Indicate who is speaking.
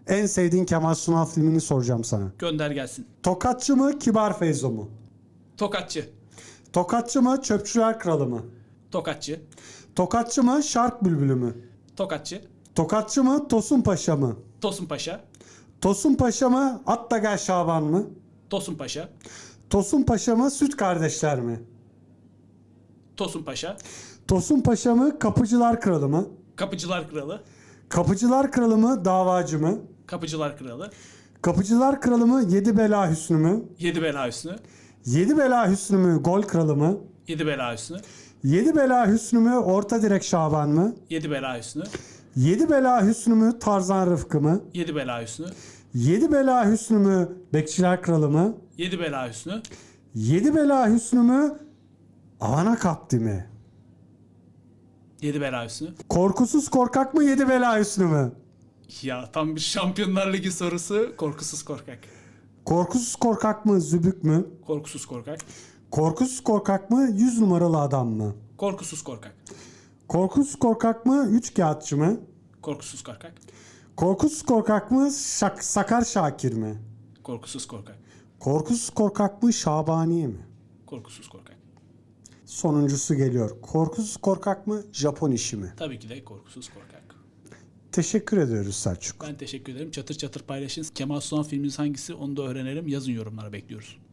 Speaker 1: En sevdiğin Kemal Sunal filmini soracağım sana.
Speaker 2: Gönder gelsin.
Speaker 1: Tokatçı mı, Kibar Feyzo mu?
Speaker 2: Tokatçı.
Speaker 1: Tokatçı mı, Çöpçüler Kralı mı?
Speaker 2: Tokatçı.
Speaker 1: Tokatçı mı, Şark Bülbülü mü?
Speaker 2: Tokatçı.
Speaker 1: Tokatçı mı, Tosun Paşa mı?
Speaker 2: Tosun Paşa.
Speaker 1: Tosun Paşa mı, At da Gel Şaban mı?
Speaker 2: Tosun Paşa.
Speaker 1: Tosun Paşa mı, Süt Kardeşler mi?
Speaker 2: Tosun Paşa.
Speaker 1: Tosun Paşa mı, Kapıcılar Kralı mı?
Speaker 2: Kapıcılar Kralı.
Speaker 1: Kapıcılar Kralı mı, Davacı mı?
Speaker 2: Kapıcılar Kralı.
Speaker 1: Kapıcılar Kralı mı, Yedi Bela Hüsnü mü?
Speaker 2: Yedi Bela Hüsnü.
Speaker 1: Yedi Bela Hüsnü mü, Gol Kralı mı?
Speaker 2: Yedi Bela Hüsnü.
Speaker 1: Yedi Bela Hüsnü mü, Orta Direk Şaban mı?
Speaker 2: Yedi Bela Hüsnü.
Speaker 1: Yedi Bela Hüsnü mü, Tarzan Rıfkı mı?
Speaker 2: Yedi Bela Hüsnü.
Speaker 1: Yedi Bela Hüsnü mü, Bekçiler Kralı mı?
Speaker 2: Yedi Bela Hüsnü.
Speaker 1: Yedi Bela Hüsnü mü, Avana Kapti mi?
Speaker 2: Yedi Bela Hüsnü.
Speaker 1: Korkusuz Korkak mı, Yedi Bela Hüsnü mü?
Speaker 2: Ya tam bir Şampiyonlar Ligi sorusu. Korkusuz korkak.
Speaker 1: Korkusuz Korkak mı, Zübük mü?
Speaker 2: Korkusuz korkak.
Speaker 1: Korkusuz Korkak mı, 100 numaralı adam mı?
Speaker 2: Korkusuz korkak.
Speaker 1: Korkusuz Korkak mı, Üç Kağıtçı mı?
Speaker 2: Korkusuz korkak.
Speaker 1: Korkusuz Korkak mı, Sakar Şakir mi?
Speaker 2: Korkusuz korkak.
Speaker 1: Korkusuz Korkak mı, Şabaniye mi?
Speaker 2: Korkusuz korkak.
Speaker 1: Sonuncusu geliyor. Korkusuz Korkak mı, Japon işi mi?
Speaker 2: Tabii ki de korkusuz korkak.
Speaker 1: Teşekkür ediyoruz Selçuk.
Speaker 2: Ben teşekkür ederim. Çatır çatır paylaşın. Kemal Sunal filminiz hangisi onu da öğrenelim. Yazın yorumlara bekliyoruz.